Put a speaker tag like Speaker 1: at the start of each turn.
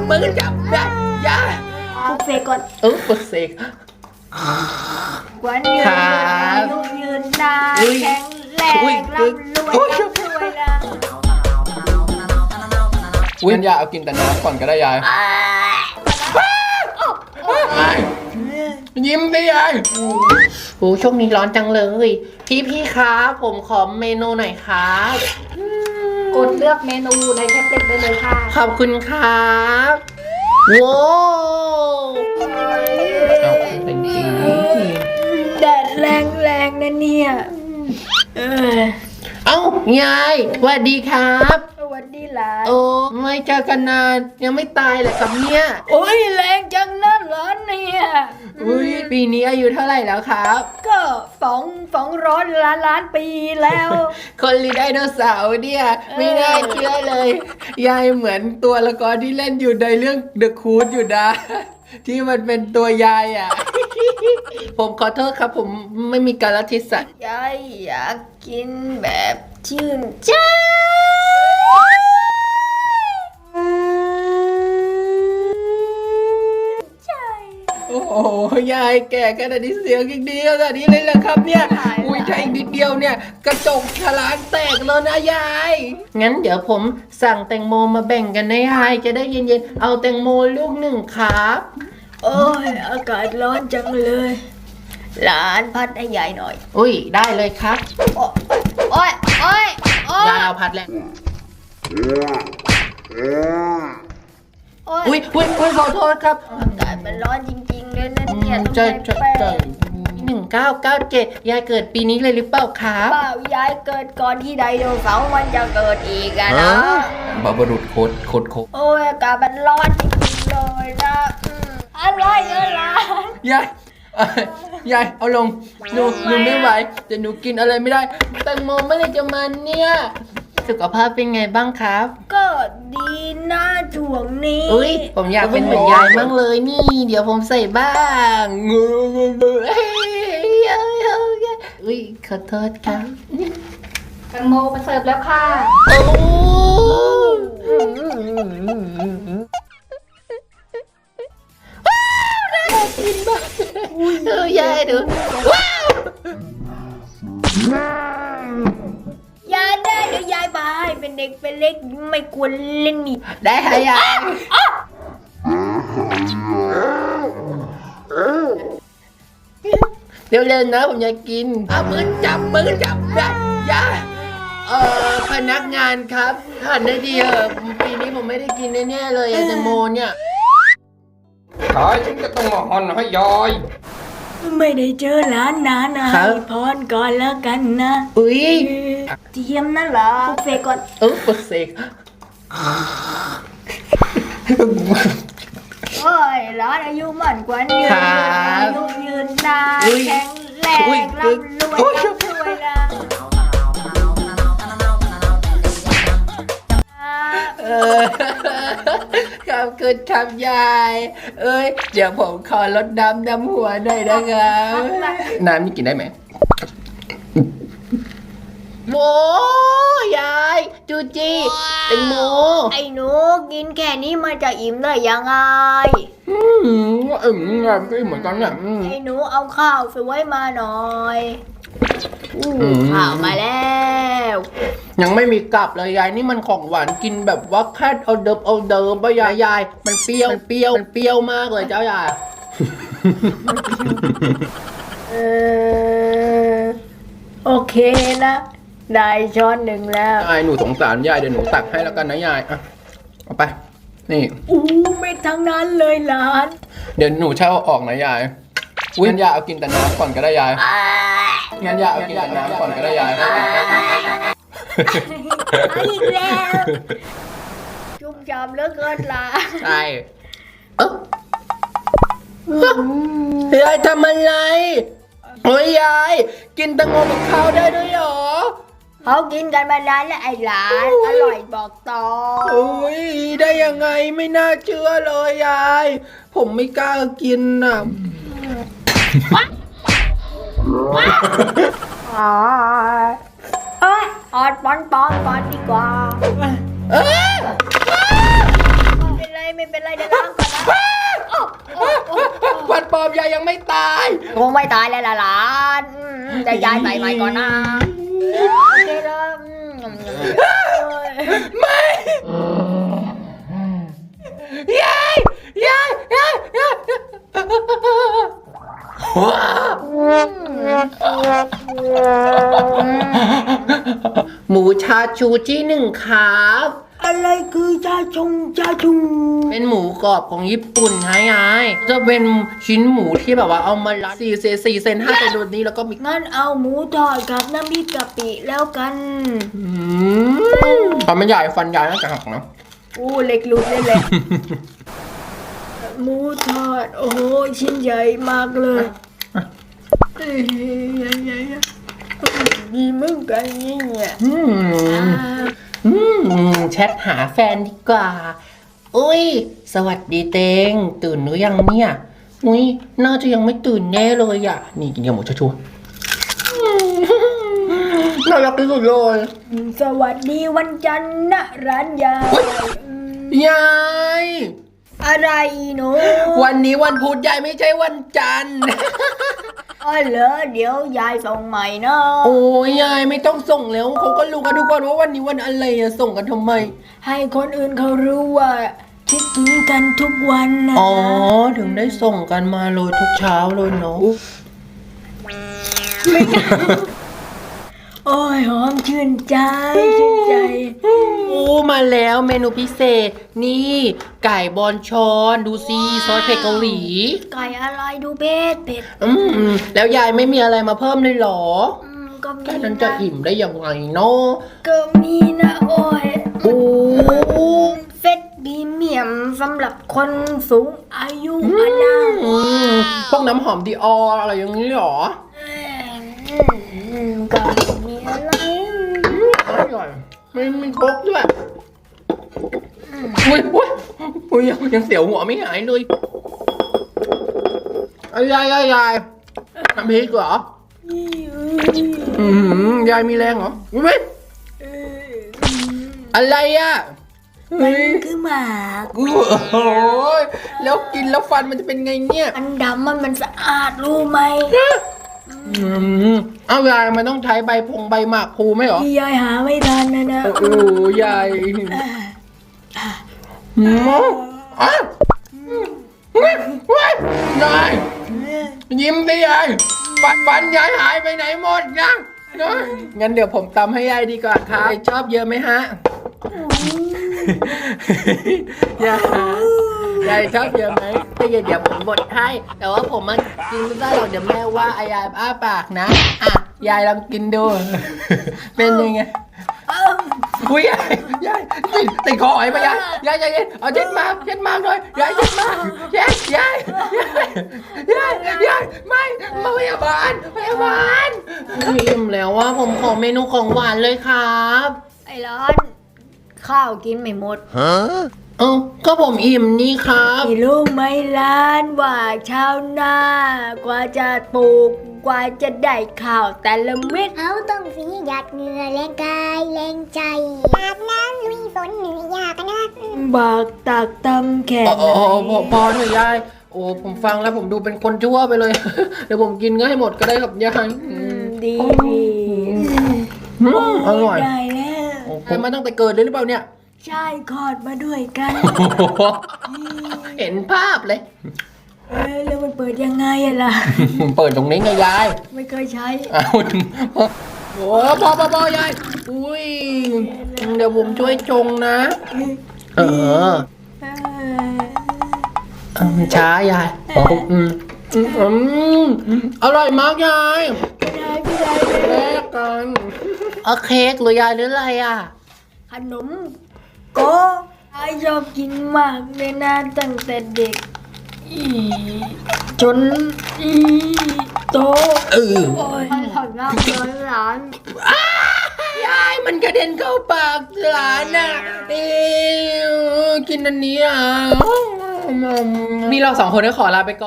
Speaker 1: มือจับยา
Speaker 2: ปลุกเสกก่อน
Speaker 1: ปลุกเสก
Speaker 2: วันยืนอายุยืนนานแข็งแรงร่ำรวยช่วยนะ
Speaker 1: งั้นยายเอากินแต่น้ำก่อนก็ได้ยายยิ้มดิยายโอ้ช่วงนี้ร้อนจังเลยพี่ครับผมขอเมนูหน่อยครับ
Speaker 2: กดเลือกเมนูในแท็บเล็ตได้เลยค่ะ
Speaker 1: ขอบคุณครับว้าวเป็นจริง
Speaker 2: แดดแรงนะเนี่ย
Speaker 1: เอ้ายายสวัสดีครับ
Speaker 2: สวัสดีหลาน
Speaker 1: โอ้ไม่เจอกันนานยังไม่ตายเลยครับเนี่ย
Speaker 2: โอ้ยแรงจังนั่นเหรอเนี่ย
Speaker 1: ปีนี้อายุเท่าไหร่แล้วครับ
Speaker 2: ก็200 ล้านปีแล้ว
Speaker 1: คนลีไดโนเสาร์เนี่ยไม่น่าเชื่อเลยยายเหมือนตัวละครที่เล่นอยู่ในเรื่อง The Cool อยู่นะที่มันเป็นตัวยายอ่ะผมขอโทษครับผมไม่มีกาลเทศะ
Speaker 2: ยายอยากกินแบบชื่นใจ
Speaker 1: โอ้โหยายแก่ขนาดนี้เสียงอีกดีขนาดนี้เลยเหรอครับเนี่ยอุ้ยถ้าอีกนิดเดียวเนี่ยกระจกฉลากแตกแล้วนะยายงั้นเดี๋ยวผมสั่งแตงโมมาแบ่งกันนะยายจะได้เย็นๆเอาแตงโมลูกหนึ่งครับ
Speaker 2: โอ้ยอากาศร้อนจังเลยหลานพัดให้ยายหน่อย
Speaker 1: อุ้ยได้เลยครับ
Speaker 2: โอ้ย
Speaker 1: ยายเอาพัดแล้วอุ้ยขอโทษครับ
Speaker 2: อากาศมันร้อนจริงๆเลยนะเนี่ยต้อง
Speaker 1: ใช่1997ยายเกิดปีนี้เลยหรือเปล่าครับ
Speaker 2: เปล่ายายเกิดก่อนที่ไดโนเสาร์มันจะเกิดอีกอะนะ
Speaker 1: บาบารุดโคตร
Speaker 2: โอ้ยอากาศมันร้อนจริงๆเลยนะอะไร
Speaker 1: ยายเอาลงหนูไม่ไหวแต่หนูกินอะไรไม่ได้แตงโมไม่ได้จะมันเนี่ยสุขภาพเป็นไงบ้างครับ
Speaker 2: ก็ดีนะช่วงนี้
Speaker 1: อุ้ยผมอยากเป็นเหมือนยายมั่งเลยนี่เดี๋ยวผมใส่บ้างอุ้ยขอโทษครับ
Speaker 2: แตงโมมาเสิร์ฟแล้วค่ะ
Speaker 1: โอ้น่ากินมากยายดูว้า
Speaker 2: วยายได้เดี๋ยวยายบายเป็นเด็กเป็นเล็กไม่ควรเล่นนี่
Speaker 1: ได้ค่ะยายเร็วๆนะผมอยากกินมือจับยายพนักงานครับหันได้ดีปีนี้ผมไม่ได้กินแน่ๆเลยแตงโมเนี่ยขายฉันก็ต้องมาห่อนให้ยาย
Speaker 2: ไม่ได้เจอหลานนานนะให้พรก่อนแล้วกันนะ
Speaker 1: อุ้ย
Speaker 2: เทียมนั่นเหรอปลุกเสกก่อน
Speaker 1: ปลุกเสก
Speaker 2: โอ้ยหลานอายุมั่นกว่ายืนอายุยืนนานแข็งแรงร่ำรวยช่วยนะครับ
Speaker 1: คุณทำยายเดี๋ยวผมขอลดน้ำหัวหน่อยนะครับน้ำนี่กินได้ไหมโอ้ยายจูจีแตงโม
Speaker 2: ไอ้หนูกินแค่นี้มันจะอิ่มได้ยังไง
Speaker 1: ก็เหมือนกันเนี่ย
Speaker 2: ไอ้หนูเอาข้าวสวยมาหน่อยข้าวมาแล้ว
Speaker 1: ยังไม่มีกลับเลยยายนี่มันของหวานกินแบบว่าแค่เอาเดิมป่ะยายมันเปรี้ยวมากเลยเจ้ายาย
Speaker 2: โอเคนะได้ช้อนหนึ่งแล้ว
Speaker 1: ยายหนูสงสารยายเดี๋ยวหนูตักให้แล้วกันนะยายเอาไปนี่
Speaker 2: ไม่ทั้งนั้นเลยหลาน
Speaker 1: เดี๋ยวหนูเช่าออกนะยายงั้นยายเอากินแต่น้ำก่อนก็ได้ยายงั้นยายเอากินแต่น้ำก่อนก็ได้ยาย
Speaker 2: อีกแล้วจุ่มจอมเหลือเกินล่ะ
Speaker 1: ใช่ยายทำอะไรโอ้ยยายกินแตงโมกับข้าวได้ด้วยเหรอ
Speaker 2: เขากินกันมานานแล้วไอ้หลานอร่อยบอกต่อ
Speaker 1: โอ้ยได้ยังไงไม่น่าเชื่อเลยยายผมไม่กล้ากินอ่ะ
Speaker 2: ออดปอนดีกว่าเป็นไรไม่เป็นไรเดี๋ยวล้างก่อนนะ
Speaker 1: ฟันปลอมยายยังไม่ตาย
Speaker 2: คงไม่ตายแล้วล่ะหลานจะยายใส่ใหม่ก่อนนะโอเคแล้ว
Speaker 1: ไม่ยายยายยายยายหมูชาชูที่หนึ่งครับ
Speaker 2: อะไรคือชาชง
Speaker 1: เป็นหมูกรอบของญี่ปุ่นฮะยายจะเป็นชิ้นหมูที่แบบว่าเอามาลัด4 เซน5 เซนแบบนี้แล้วก็มี
Speaker 2: งั้นเอาหมูทอดกับน้ำพริกกะปิแล้วกัน
Speaker 1: ฟันมันใหญ่ฟันใหญ่น่าจะหักนะ
Speaker 2: อู้เล็กหลุดเลยแหละหมูทอดโอ้โหชิ้นใหญ่มากเลยดีมึงกันนี่เนี่ย
Speaker 1: แชทหาแฟนดีกว่าอุ้ยสวัสดีเตงตื่นหรือยังเนี่ยอุ้ยน่าจะยังไม่ตื่นแน่เลยอ่ะนี่กินกับหมูชัวร์น่ารักที่สุดเลย
Speaker 2: สวัสดีวันจันทร์นะร้านยาย
Speaker 1: ยาย
Speaker 2: อะไรหนู
Speaker 1: วันนี้วันพุธยายไม่ใช่วันจันทร์
Speaker 2: อ๋อเหรอเดี๋ยวยายส่งใหม่เนาะ
Speaker 1: โอ้ยยายไม่ต้องส่งแล้วเขาก็รู้กันทุกคนว่าวันนี้วันอะไรอะส่งกันทำไม
Speaker 2: ให้คนอื่นเขารู้ว่าคิดถึงกันทุกวันนะ
Speaker 1: อ๋อถึงได้ส่งกันมาเลยทุกเช้าเลยเนาะ
Speaker 2: โอ้ยหอมชื่นใจ
Speaker 1: โอ้มาแล้วเมนูพิเศษ นี่ไก่บอนชอนดูสิซอสเผ็ดเกาหลี
Speaker 2: ไก่อะไรดูเผ็ด
Speaker 1: แล้วยายไม่มีอะไรมาเพิ่มเลยเหรอ
Speaker 2: ก็มี
Speaker 1: แค่นั้นจะอิ่มได้ยังไงเนาะ
Speaker 2: ก็มีนะโอ้ย
Speaker 1: โอ้
Speaker 2: เฟสบีเมียมสำหรับคนสูงอายุอะนะ
Speaker 1: พวกน้ำหอมดีอออะไรอย่างนี้เหรอ
Speaker 2: ก็มีอะไร
Speaker 1: อร่อยไม่มีครกด้วยอุ้ยยังเสียวหัวไม่หายเลยยายทำพริกเหรอยายมีแรงเหรอไม่อะไรอ่ะ
Speaker 2: มันคือหมาก
Speaker 1: โอ้โหแล้วกินแล้วฟันมันจะเป็นไงเนี่ย
Speaker 2: อันดำมันสะอาดรู้ไหม
Speaker 1: เอายายมันต้องใช้ใบหมากพลูไหมเหรอ
Speaker 2: ที่ยายหาไม่ทันนะ
Speaker 1: โอ้ยายยายยิ้มสิยายฟันยายหายไปไหนหมดยังงั้นเดี๋ยวผมตำให้ยายดีกว่าครับชอบเยอะไหมฮะยายชอบเยอะไหมถ้าเดี๋ยวผมบดให้แต่ว่าผมมันกินไม่ได้หรอกเดี๋ยวแม่ว่าอายายอ้าปากนะอ่ะยายลองกินดู เป็นยังไงอุ้ยยายติดคอหอยไปยายเอาเช็ดมากหน่อยยายเช็ดมากยายไม่มาพยาบาลอิ่มแล้วว่าผมขอเมนูของหวานเลยครับ
Speaker 2: ไอ้ร้อนข้าวกินไม่หมด
Speaker 1: ก็ผมอิ่มนี่ครับ
Speaker 2: พี่รู้ไหมล้านว่าชาวนากว่าจะปลูกกว่าจะได้ข้าวแต่ละเม็ด
Speaker 3: เขาต้องสีหยาดเหงื่อแรงกายแรงใจอาบน้ำลุยฝนเหนื่อยยากนะ
Speaker 2: บากตากตำแขน
Speaker 1: พอเถอะยายโอ้ผมฟังแล้วผมดูเป็นคนชั่วไปเลย เดี๋ยวผมกินก็ให้หมดก็ได้ครับยาย
Speaker 2: ดี
Speaker 1: อร่อย
Speaker 2: ได้แล้ว
Speaker 1: ผมมาตั้งแต่เกิดเลยหรือเปล่าเนี่ย
Speaker 2: ใช่คลอดมาด้วยกัน
Speaker 1: เห็นภาพเลย
Speaker 2: แล้วมันเปิดยังไงอะล่ะ
Speaker 1: เปิดตรงนี้ไงยาย
Speaker 2: ไม่เคยใช้
Speaker 1: เอาโอ้พอยายอุ้ยเดี๋ยวผมช่วยชงนะช้ายายอร่อยมากยายแลกกันเค้กหรือยายหรืออะไรอ่ะ
Speaker 2: ขนมก็ไอชอบกินมากเลยนะตั้งแต่เด็กจนโตโอ้ยถอดงอกเลยหลาน
Speaker 1: ยายมันกระเด็นเข้าปากหลานน่ะกินอันนี้อ่ะนี่เราสองคนก็ขอลาไปก่อน